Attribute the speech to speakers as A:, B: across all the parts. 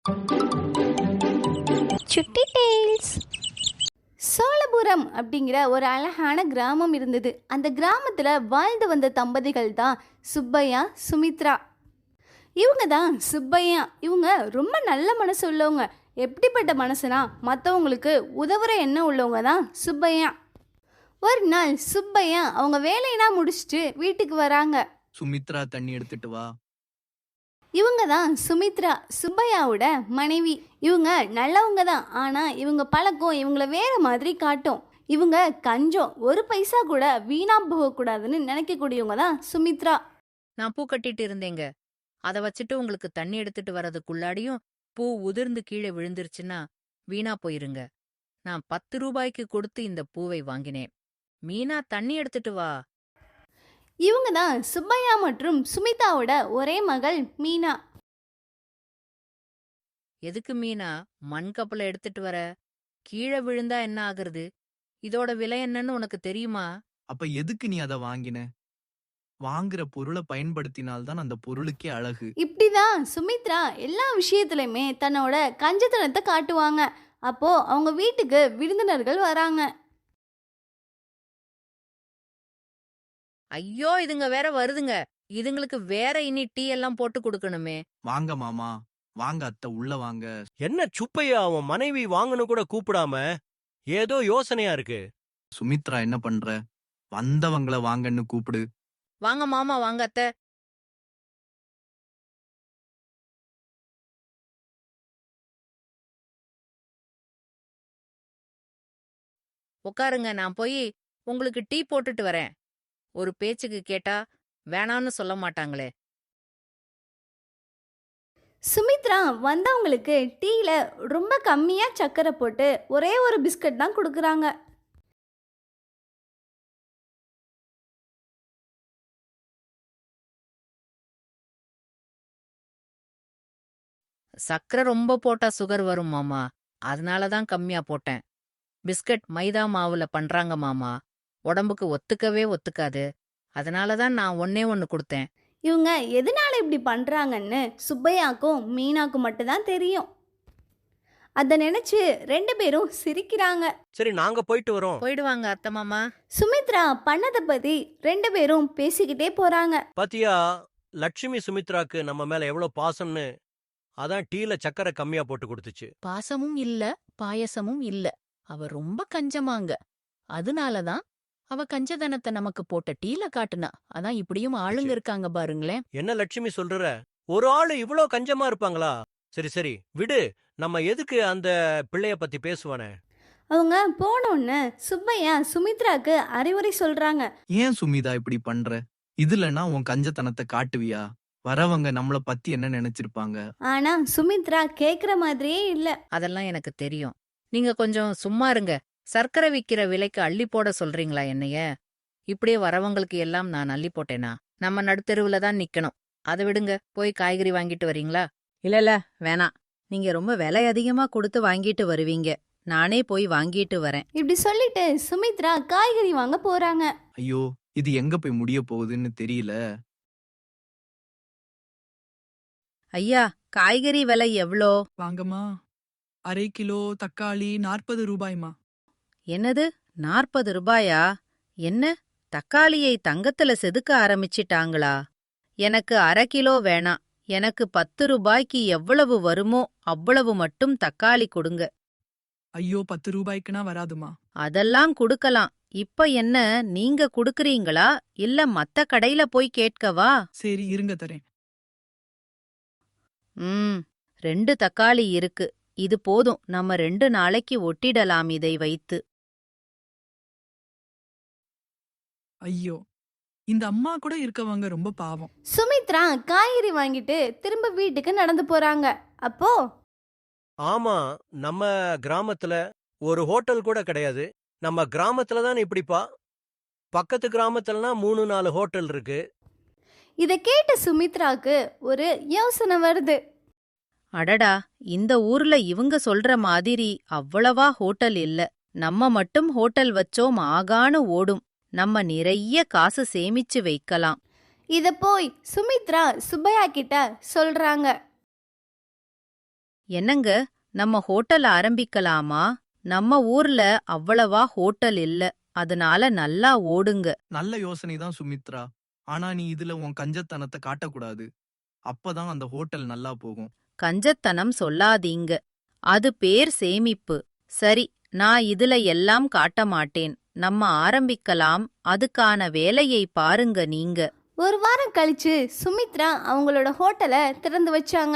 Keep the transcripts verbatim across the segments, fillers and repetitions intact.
A: சுட்டி டெய்ல்ஸ். சோழபுரம் அப்படிங்கிற ஒரு அழகான கிராமம் இருந்தது. அந்த கிராமத்தில் வாழ்ந்து வந்த தம்பதிகள் தான் சுப்பையா, சுமித்ரா. இவங்க தான் சுப்பையா. இவங்க ரொம்ப நல்ல மனசு உள்ளவங்க. எப்படிப்பட்ட மனசுனா, மற்றவங்களுக்கு உதவுற எண்ணம் உள்ளவங்க தான் சுப்பையா. ஒரு நாள் சுப்பையா அவங்க வேலையெல்லாம் முடிச்சுட்டு வீட்டுக்கு வராங்க.
B: சுமித்ரா, தண்ணி எடுத்துட்டு வா.
A: இவங்க தான் சுமித்ரா, சுப்பையாவோட மனைவி. இவங்க நல்லவங்க தான், ஆனால் இவங்க பழக்கம் இவங்கள வேற மாதிரி காட்டும். இவங்க கஞ்சம், ஒரு பைசா கூட வீணா போகக்கூடாதுன்னு நினைக்கக்கூடியவங்க தான் சுமித்ரா.
C: நான் பூ கட்டிட்டு இருந்தேங்க. அதை வச்சுட்டு உங்களுக்கு தண்ணி எடுத்துட்டு வர்றதுக்குள்ளாடியும் பூ உதிர்ந்து கீழே விழுந்துருச்சுன்னா வீணா போயிருங்க. நான் பத்து ரூபாய்க்கு கொடுத்து இந்த பூவை வாங்கினேன். மீனா, தண்ணி எடுத்துட்டு வா.
A: இவங்க தான் சுப்பையா மற்றும் சுமிதாவோட ஒரே மகள் மீனா.
C: எதுக்கு மீனா மண் கப்பலை எடுத்துட்டு வர? கீழே விழுந்தா என்ன ஆகுறது? இதோட விலை என்னன்னு உனக்கு தெரியுமா?
B: அப்ப எதுக்கு நீ அதை வாங்கின? வாங்குற பொருளை பயன்படுத்தினால்தான் அந்த பொருளுக்கே அழகு.
A: இப்படிதான் சுமித்ரா எல்லா விஷயத்துலையுமே தன்னோட கஞ்சத்தனத்தை காட்டுவாங்க. அப்போ அவங்க வீட்டுக்கு விருந்தினர்கள் வராங்க.
C: ஐயோ, இதுங்க வேற வருதுங்க. இதுங்களுக்கு வேற இனி டீ எல்லாம் போட்டு கொடுக்கணுமே.
B: வாங்க மாமா, வாங்க அத்தை, உள்ள வாங்க.
D: என்ன சுப்பையா, அவன் மனைவி வாங்கன்னு கூட கூப்பிடாம ஏதோ யோசனையா இருக்கு.
B: சுமித்ரா, என்ன பண்ற? வந்தவங்கள வாங்கன்னு கூப்பிடு.
C: வாங்க மாமா, வாங்க அத்தை. உட்காருங்க, நான் போய் உங்களுக்கு டீ போட்டுட்டு வரேன். ஒரு பேச்சுக்கு கேட்டா வேணான்னு சொல்ல மாட்டாங்களே.
A: சுமித்ரா வந்தவங்களுக்கு டீல ரொம்ப கம்மியா சர்க்கரை போட்டு ஒரே ஒரு பிஸ்கட் தான் கொடுக்குறாங்க.
C: சக்கரை ரொம்ப போட்டா சுகர் வரும் மாமா. அதனாலதான் கம்மியா போட்டேன். பிஸ்கட் மைதா மாவுல பண்றாங்க மாமா. உடம்புக்கு ஒத்துக்கவே ஒத்துக்காது. அதனாலதான் நான் ஒன்னே ஒன்னு கொடுத்தேன்.
A: இவங்க எதனால இப்படி பண்றாங்கன்னு சுப்பையாக்கும் மீனாக்கும் மட்டும்தான் தெரியும். அதை நினைச்சு ரெண்டு பேரும் சிரிக்கிறாங்க.
D: சரி, நாங்க போயிட்டு வரோம்.
C: போயிடுவாங்க அத்தை மாமா.
A: சுமித்ரா பண்ணதை பத்தி ரெண்டு பேரும் பேசிக்கிட்டே போறாங்க.
D: பாத்தியா, லட்சுமி சுமித்ராக்கு நம்ம மேல எவ்வளவு பாசம்னு. அதான் டீல சக்கரை கம்மியா போட்டு கொடுத்துச்சு.
E: பாசமும் இல்ல, பாயசமும் இல்ல. அவ ரொம்ப கஞ்சமாங்க. அதனாலதான் அவ கஞ்சதனத்தை நமக்கு போட்ட டீல காட்டுனா. அதான் இப்படியும் ஆளுங்க இருக்காங்க பாருங்களேன்.
D: என்ன லட்சுமி சொல்ற? ஒரு ஆளு இவ்ளோ கஞ்சமா இருப்பாங்களா? சரி சரி விடு. நம்ம எதுக்கு அந்த பிள்ளைய பத்தி பேசுவானே.
A: அவங்க போனோன்னு சுப்பையா சுமித்ராக்கு அறிவுரை சொல்றாங்க.
B: ஏன் சுமிதா இப்படி பண்ற? இதுலன்னா உன் கஞ்சத்தனத்தை காட்டுவியா? வரவங்க நம்மள பத்தி என்ன நினைச்சிருப்பாங்க?
A: ஆனா சுமித்ரா கேக்குற மாதிரியே இல்ல.
C: அதெல்லாம் எனக்கு தெரியும். நீங்க கொஞ்சம் சும்மா இருங்க. சர்க்கரை விக்கிற விலைக்கு அள்ளி போட சொல்றீங்களா என்னைய? இப்படியே வரவங்களுக்கு எல்லாம் நான் அள்ளி போட்டேனா? நம்ம நடுத்தெருவுல தான் நிக்கணும். அதை விடுங்க, போய் காய்கறி வாங்கிட்டு வரீங்களா?
F: இல்லல, வேணாம். நீங்க ரொம்ப விலை அதிகமா கொடுத்து வாங்கிட்டு வருவீங்க. நானே போய் வாங்கிட்டு வரேன்.
A: இப்படி சொல்லிட்டு சுமித்ரா காய்கறி வாங்க போறாங்க.
B: ஐயோ, இது எங்க போய் முடிய போகுதுன்னு தெரியல.
F: ஐயா, காய்கறி விலை எவ்ளோ?
G: வாங்கம்மா. அரை கிலோ தக்காளி நாற்பது ரூபாய்மா.
F: என்னது, நாற்பது ரூபாயா? என்ன, தக்காளியை தங்கத்துல செதுக்க ஆரம்பிச்சிட்டாங்களா? எனக்கு அரை கிலோ வேணாம். எனக்கு பத்து ரூபாய்க்கு எவ்வளவு வருமோ அவ்வளவு மட்டும் தக்காளி கொடுங்க.
G: ஐயோ, பத்து ரூபாய்க்குனா வராதுமா.
F: அதெல்லாம் குடுக்கலாம். இப்ப என்ன, நீங்க குடுக்கறீங்களா இல்ல மத்த கடையில போய் கேட்கவா?
G: சரி, இருங்க தரேன்.
F: ம், ரெண்டு தக்காளி இருக்கு. இது போதும். நம்ம ரெண்டு நாளைக்கு ஒட்டிடலாம் இதை வைத்து.
G: ஐயோ, இந்த அம்மா கூட இருக்கவங்க ரொம்ப பாவம்.
A: சுமித்ரா காய்கறி வாங்கிட்டு திரும்ப வீட்டுக்கு நடந்து போறாங்க. அப்போ
D: ஆமா, நம்ம கிராமத்துல ஒரு ஹோட்டல் கூட கிடையாது. நம்ம கிராமத்துல தான் இப்படிப்பா. பக்கத்து கிராமத்துலனா மூணு நாலு ஹோட்டல் இருக்கு.
A: இதை கேட்ட சுமித்ராக்கு ஒரு யோசனை வருது.
F: அடடா, இந்த ஊர்ல இவங்க சொல்ற மாதிரி அவ்வளவா ஹோட்டல் இல்ல. நம்ம மட்டும் ஹோட்டல் வச்சோம் ஆகான்னு ஓடும். நம்ம நிறைய காசு சேமிச்சு வைக்கலாம்.
A: இத போய் சுமித்ரா சுப்பையா கிட்ட சொல்றாங்க.
F: என்னங்க, நம்ம ஹோட்டல் ஆரம்பிக்கலாமா? நம்ம ஊர்ல அவ்வளவா ஹோட்டல் இல்ல, அதனால நல்லா ஓடுங்க.
B: நல்ல யோசனை தான் சுமித்ரா. ஆனா நீ இதுல உன் கஞ்சத்தனத்தை காட்டக்கூடாது. அப்பதான் அந்த ஹோட்டல் நல்லா போகும்.
F: கஞ்சத்தனம் சொல்லாதீங்க. அது பேர் சேமிப்பு. சரி, நான் இதுல எல்லாம் காட்ட மாட்டேன். நம்ம ஆரம்பிக்கலாம். அதுக்கான வேலையை பாருங்க நீங்க.
A: ஒரு வாரம் கழிச்சு சுமித்ரா அவங்களோட ஹோட்டலை திறந்து வச்சாங்க.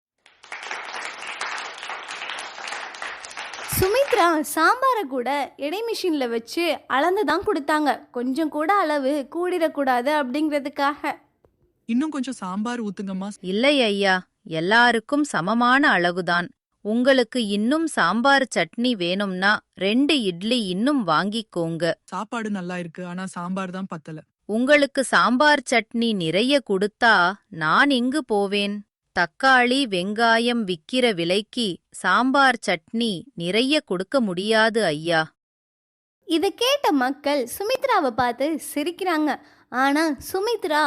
A: சுமித்ரா சாம்பாரை கூட எடை மிஷின்ல வச்சு அளந்து தான் கொடுத்தாங்க. கொஞ்சம் கூட அளவு கூடிடக்கூடாது அப்படிங்கிறதுக்காக.
G: இன்னும் கொஞ்சம் சாம்பார் ஊத்துங்கம்மா.
F: இல்லை ஐயா, எல்லாருக்கும் சமமான அளவுதான். உங்களுக்கு இன்னும் சாம்பார் சட்னி வேணும்னா ரெண்டு இட்லி இன்னும் வாங்கிக்கோங்க.
G: சாப்பாடு நல்லா இருக்கு, ஆனா சாம்பார் தான் பத்தல.
F: உங்களுக்கு சாம்பார் சட்னி நிறைய கொடுத்தா நான் எங்கு போவேன்? தக்காளி வெங்காயம் விக்கிற விலைக்கு சாம்பார் சட்னி நிறைய கொடுக்க முடியாது ஐயா.
A: இதை கேட்ட மக்கள் சுமித்ராவை பார்த்து சிரிக்கிறாங்க. ஆனா சுமித்ரா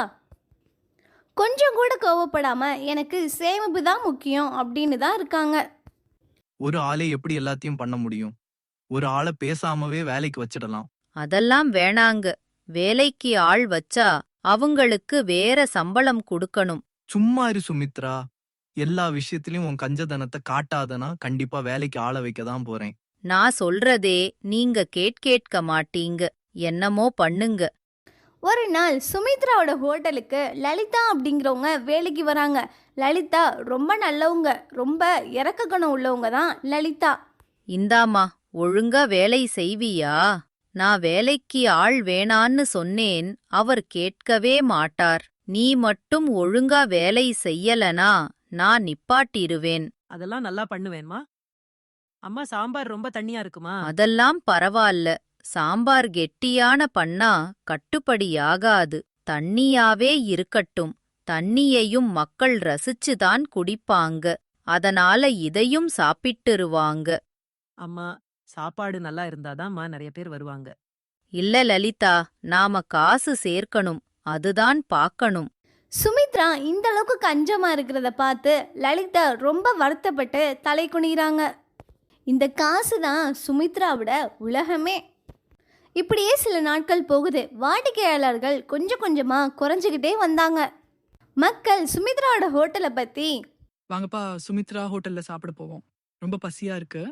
A: கொஞ்சம் கூட கோவப்படாம எனக்கு சேமிப்பு தான் முக்கியம் அப்படின்னு தான் இருக்காங்க.
B: ஒரு ஆளே எப்படி எல்லாத்தையும் பண்ண முடியும்? ஒரு ஆளை பேசாமவே வேலைக்கு வச்சிடலாம்.
F: அதெல்லாம் வேணாங்க. வேலைக்கு ஆள் வச்சா அவங்களுக்கு வேற சம்பளம் கொடுக்கணும்.
B: சும்மா இரு சுமித்ரா. எல்லா விஷயத்திலயும் உன் கஞ்சதனத்தை காட்டாதனா கண்டிப்பா வேலைக்கு ஆள வைக்க தான் போறேன்.
F: நான் சொல்றதே நீங்க கேட்கேட்க மாட்டீங்க. என்னமோ பண்ணுங்க.
A: ஒரு நாள் சுமித்ராவோட ஹோட்டலுக்கு லலிதா அப்படிங்கிறவங்க வேலைக்கு வராங்க. லலிதா ரொம்ப நல்லவங்க, ரொம்ப இறக்க குணம் உள்ளவங்க தான் லலிதா.
F: இந்தாமா, ஒழுங்கா வேலை செய்வியா? நான் வேலைக்கு ஆள் வேணான்னு சொன்னேன், அவர் கேட்கவே மாட்டார். நீ மட்டும் ஒழுங்கா வேலை செய்யலனா நான் நிப்பாட்டிருவேன்.
H: அதெல்லாம் நல்லா பண்ணுவேன்மா. அம்மா, சாம்பார் ரொம்ப தண்ணியா இருக்குமா?
F: அதெல்லாம் பரவால்ல. சாம்பார் கெட்டியான பண்ணா கட்டுப்படியாகாது. தண்ணியாவே இருக்கட்டும். தண்ணியையும் மக்கள் ரசிச்சுதான் குடிப்பாங்க. அதனால இதையும் சாப்பிட்டுருவாங்க.
H: அம்மா, சாப்பாடு நல்லா இருந்தாதாம்மா நிறைய பேர் வருவாங்க.
F: இல்ல லலிதா, நாம காசு சேர்க்கணும். அதுதான் பாக்கணும்.
A: சுமித்ரா இந்த அளவுக்கு கஞ்சமா இருக்கிறத பார்த்து லலிதா ரொம்ப வருத்தப்பட்டு தலை குனிகிறாங்க. இந்த காசு தான் சுமித்ராவோட உலகமே. இப்படியே சில நாட்கள் போகுது. வாடிக்கையாளர்கள் கொஞ்சம் கொஞ்சமா குறைஞ்சிக்கிட்டே வந்தாங்க. மக்கள் சுமித்ராவோட ஹோட்டலை பத்தி,
G: வாங்கப்பா சுமித்ரா ஹோட்டல்ல சாப்பிட போவோம். ரொம்ப பசியா இருக்கு.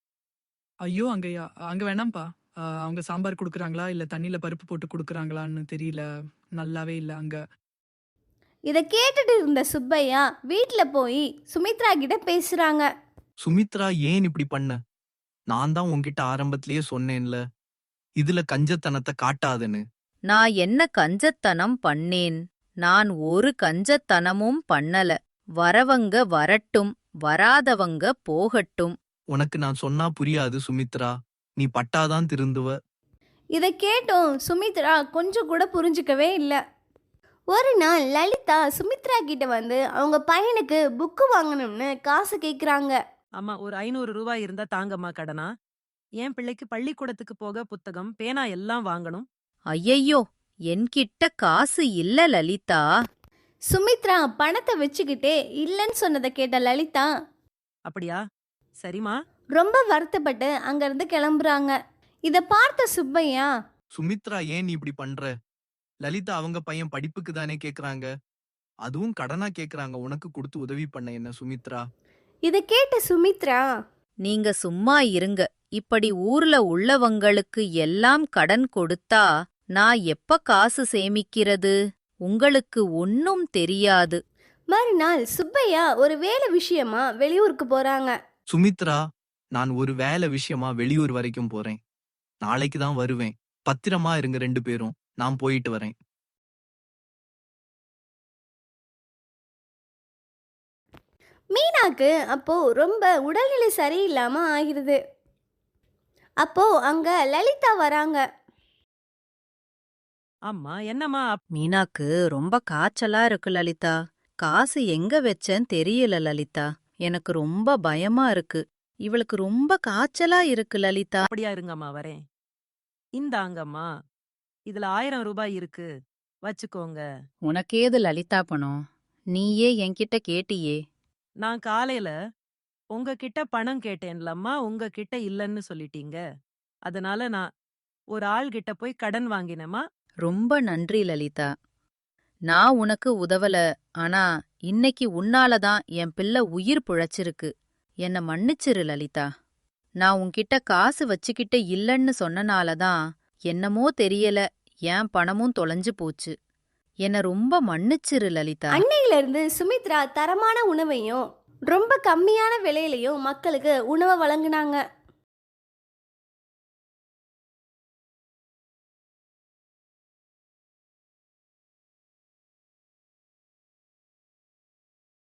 G: ஐயோ, அங்கயா அங்க வேணாம்ப்பா. ஆ, அவங்க சாம்பார் குடுக்குறாங்களா இல்ல தண்ணியில பருப்பு போட்டு குடுக்குறாங்களான்னு தெரியல. நல்லாவே இல்ல அங்க.
A: இதை கேட்டுட்டு இருந்த சுப்பையா வீட்டில் போய் சுமித்ரா கிட்ட பேசுறாங்க.
B: சுமித்ரா, ஏன் இப்படி பண்ண? நான் தான் உன்கிட்ட ஆரம்பத்திலேயே சொன்னேன்ல, இதுல கஞ்சத்தனத்தை காட்டாதன்னு.
F: நான் என்ன கஞ்சத்தனம் பண்ணேன்? நான் ஒரு கஞ்சத்தனமும் பண்ணல. வரவங்க வரட்டும், வராதவங்க போகட்டும்.
B: உனக்கு நான் சொன்னா புரியாது சுமித்ரா. நீ பட்டாதான் திருந்துவ.
A: இதை கேட்டும் சுமித்ரா கொஞ்சம் கூட புரிஞ்சுக்கவே இல்லை. ஒரு நாள் லலிதா சுமித்ரா கிட்ட வந்து அவங்க பையனுக்கு புக்கு வாங்கணும்னு காசு கேட்குறாங்க.
H: அம்மா, ஒரு ஐநூறு ரூபாய் இருந்தா தாங்கம்மா கடனா. என் பிள்ளைக்கு பள்ளிக்கூடத்துக்கு போக புத்தகம், பேனா எல்லாம் வாங்கணும்.
F: ஐயையோ, என்கிட்ட காசு இல்ல லலிதா.
A: சுமித்ரா பணத்தை வச்சுக்கிட்டே இல்லைன்னு சொன்னதை கேட்ட லலிதா
H: அப்படியா? சரிம்மா.
A: ரொம்ப வருத்தப்பட்டு அங்கிருந்து கிளம்புறாங்க. இதை பார்த்த சுப்பையா,
B: சுமித்ரா, ஏன் நீ இப்படி பண்ற? லலிதா அவங்க பையன் படிப்புக்கு தானே கேக்குறாங்க. அதுவும் கடனா கேக்குறாங்க. உனக்கு கொடுத்து உதவி பண்ண என்ன சுமித்ரா?
A: இதை கேட்ட சுமித்ரா,
F: நீங்க சும்மா இருங்க. இப்படி ஊர்ல உள்ளவங்களுக்கு எல்லாம் கடன் கொடுத்தா நான் எப்ப காசு சேமிக்கிறது? உங்களுக்கு ஒன்னும் தெரியாது.
A: மறுநாள் சுப்பையா ஒரு வேலை விஷயமா வெளியூருக்கு போறாங்க.
B: சுமித்ரா, நான் ஒரு வேலை விஷயமா வெளியூர் வரைக்கும் போறேன். நாளைக்கு தான் வருவேன். பத்திரமா இருங்க ரெண்டு பேரும். நான் போயிட்டு வரேன்.
A: மீனாக்கு அப்போ ரொம்ப உடல்நிலை சரியில்லாம ஆகிருது. அப்போ அங்க லலிதா வராங்க.
H: அம்மா, என்னம்மா? அப்-
F: மீனாக்கு ரொம்ப காய்ச்சலா இருக்கு லலிதா. காசு எங்க வச்சேன்னு தெரியல லலிதா. எனக்கு ரொம்ப பயமா இருக்கு. இவளுக்கு ரொம்ப காய்ச்சலா இருக்கு லலிதா.
H: அப்படியா, இருங்கம்மா, வரேன். இந்தாங்கம்மா, இதுல ஆயிரம் ரூபாய் இருக்கு, வச்சுக்கோங்க.
F: உனக்கேது லலிதா பணம்? நீயே என்கிட்ட கேட்டியே.
H: நான் காலையில உங்ககிட்ட பணம் கேட்டேன்லம்மா, உங்ககிட்ட இல்லன்னு சொல்லிட்டீங்க. அதனால நான் ஒரு ஆள் கிட்ட போய் கடன் வாங்கினேம்மா.
F: ரொம்ப நன்றி லலிதா. நான் உனக்கு உதவல, ஆனா இன்னைக்கு உன்னால தான் என் பிள்ளை உயிர் பிழைச்சிருக்கு. என்ன மன்னிச்சிரு லலிதா. நான் உன்கிட்ட காசு வச்சுக்கிட்டு இல்லன்னு சொன்னனால தான் என்னமோ தெரியல என் பணமும் தொலைஞ்சு போச்சு. என்ன ரொம்ப மன்னிச்சிரு லலிதா.
A: அன்னையில இருந்து சுமித்ரா தரமான உணவையும் ரொம்ப கம்மியான விலையிலையும் மக்களுக்கு உணவை வழங்குனாங்க.